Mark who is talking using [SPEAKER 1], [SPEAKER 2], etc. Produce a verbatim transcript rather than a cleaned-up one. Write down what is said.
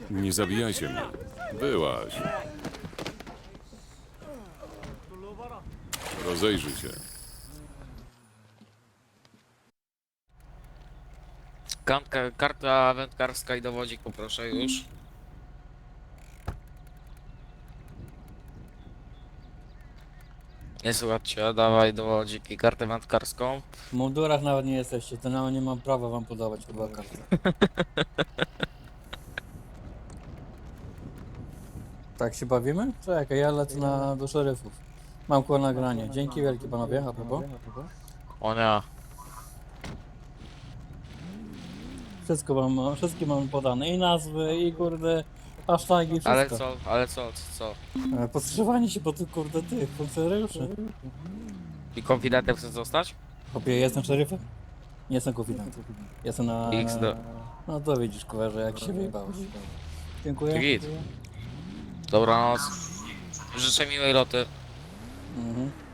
[SPEAKER 1] Nie zabijajcie mnie. Byłaś. Rozejrzyj się.
[SPEAKER 2] Kartka, karta wędkarska i dowodzik poproszę już. Nie słuchajcie, dawaj dowodzik i kartę wędkarską.
[SPEAKER 3] W mundurach nawet nie jesteście, to nawet nie mam prawa wam podawać chyba kartę. Tak się bawimy? Czekaj, ja lecę na, do szeryfów. Mam kło nagranie. Dzięki wielkie panowie, a propos.
[SPEAKER 2] O nie.
[SPEAKER 3] Wszystko mam, wszystkie mam podane. I nazwy, i kurde, hasztagi, wszystko.
[SPEAKER 2] Ale co, ale co, co?
[SPEAKER 3] E, Podszywanie się po tych kurde tych funkcjonariuszy.
[SPEAKER 2] I konfidentem chcesz zostać?
[SPEAKER 3] Chłopie, jestem szeryfem? Nie jestem konfidentem. Jestem na...
[SPEAKER 2] X do...
[SPEAKER 3] No to widzisz, kuwerze, jak się wyjebałeś. Dziękuję.
[SPEAKER 2] Git. Dobranoc. Życzę miłej loty.
[SPEAKER 3] Mhm.